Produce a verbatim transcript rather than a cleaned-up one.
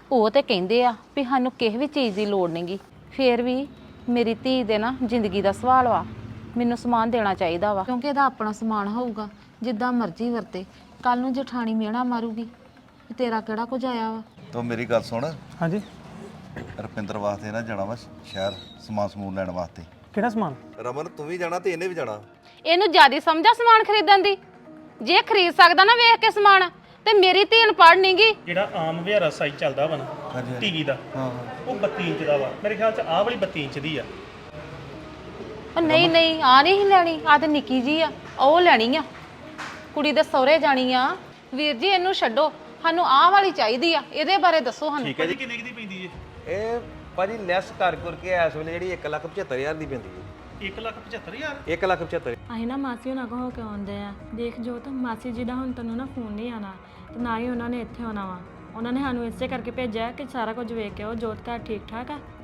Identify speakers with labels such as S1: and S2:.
S1: ਉਹ ਤੇ ਕਹਿੰਦੇ ਆ ਵੀ ਸਾਨੂੰ ਕਿਸੇ ਵੀ ਚੀਜ਼ ਦੀ ਲੋੜ ਨਹੀਂਗੀ। ਫੇਰ ਵੀ ਮੇਰੀ ਧੀ ਦੇ ਨਾ ਜ਼ਿੰਦਗੀ ਦਾ ਸਵਾਲ ਵਾ, ਮੈਨੂੰ ਸਮਾਨ ਦੇਣਾ ਚਾਹੀਦਾ ਵਾ ਕਿਉਂਕਿ ਇਹਦਾ ਆਪਣਾ ਸਮਾਨ ਹੋਊਗਾ, ਜਿੱਦਾਂ ਮਰਜ਼ੀ ਵਰਤੇ। ਕੱਲ ਨੂੰ ਜਠਾਣੀ ਮਿਹਣਾ ਮਾਰੂਗੀ ਵੀ ਤੇਰਾ ਕਿਹੜਾ ਕੁਝ ਆਇਆ ਵਾ।
S2: ਤੂੰ ਮੇਰੀ ਗੱਲ ਸੁਣ,
S3: ਹਾਂਜੀ
S2: ਰੁਪਿੰਦਰ ਵਾਸਤੇ ਨਾ ਜਾਣਾ ਵਾ ਸ਼ਹਿਰ ਸਮਾਨ ਸਮੂਨ ਲੈਣ ਵਾਸਤੇ।
S3: ਕਿਹੜਾ ਸਮਾਨ?
S2: ਰਮਨ ਤੂੰ ਵੀ ਜਾਣਾ ਤੇ ਇਹਨੇ ਵੀ ਜਾਣਾ।
S1: ਇਹਨੂੰ ਜ਼ਿਆਦਾ ਸਮਝਾ ਸਮਾਨ ਖਰੀਦਣ ਦੀ? ਜੇ ਖਰੀਦ ਸਕਦਾ ਨਾ ਵੇਖ ਕੇ ਸਮਾਨ, ਤੇ ਮੇਰੀ ਧੀ ਅਨਪੜ੍ਹ ਨਹੀਂਗੀ।
S3: ਜਿਹੜਾ ਆਮ ਵਿਹਾਰਾ ਸਾਈਜ਼ ਚੱਲਦਾ ਵਾ ਨਾ ਟੀਵੀ ਦਾ,
S2: ਹਾਂ
S3: ਉਹ ਬੱਤੀ ਇੰਚ ਦਾ ਵਾ। ਮੇਰੇ ਖਿਆਲ ਚ ਆਹ ਵਾਲੀ ਬੱਤੀ ਇੰਚ ਦੀ ਆ।
S1: ਉਹ ਨਹੀਂ ਨਹੀਂ, ਆ ਨਹੀਂ ਲੈਣੀ, ਆ ਤੇ ਨਿੱਕੀ ਜੀ ਆ, ਉਹ ਲੈਣੀ ਆ। ਕੁੜੀ ਦੇ ਸਹੁਰੇ ਜਾਣੀ ਆ। ਵੀਰ ਜੀ ਇਹਨੂੰ ਛੱਡੋ, ਸਾਨੂੰ ਆਹ ਵਾਲੀ ਚਾਹੀਦੀ ਆ। ਇਹਦੇ ਬਾਰੇ ਦੱਸੋ ਸਾਨੂੰ।
S3: ਠੀਕ ਹੈ ਜੀ। ਕਿੰਨੇ ਦੀ ਪੈਂਦੀ ਏ
S4: ਇਹ ਭਾਜੀ ਲੈਸ ਕਰ ਕਰਕੇ ਇਸ ਵੇਲੇ ਜਿਹੜੀ ਇੱਕ ਲੱਖ ਪਝੱਤਰ ਹਜ਼ਾਰ ਦੀ ਪੈਂਦੀ ਹੈ।
S3: ਇੱਕ ਲੱਖ ਪਝੱਤਰ ਹਜ਼ਾਰ?
S4: ਇੱਕ ਲੱਖ ਪਝੱਤਰ।
S5: ਅਸੀਂ ਨਾ ਮਾਸੀ ਉਹਨਾਂ ਕੋਲ ਹੋ ਕੇ ਆਉਂਦੇ ਆ। ਦੇਖ ਜੋਤ, ਮਾਸੀ ਜੀ ਦਾ ਹੁਣ ਤੈਨੂੰ ਨਾ ਫੋਨ ਨਹੀਂ ਆਣਾ ਤੇ ਨਾ ਹੀ ਉਹਨਾਂ ਨੇ ਇੱਥੇ ਆਉਣਾ ਵਾ। ਉਹਨਾਂ ਨੇ ਸਾਨੂੰ ਇਸੇ ਕਰਕੇ ਭੇਜਿਆ ਕਿ ਸਾਰਾ ਕੁਝ ਵੇਖ ਕੇ ਉਹ ਜੋਤ ਘਰ ਠੀਕ ਠਾਕ ਆ।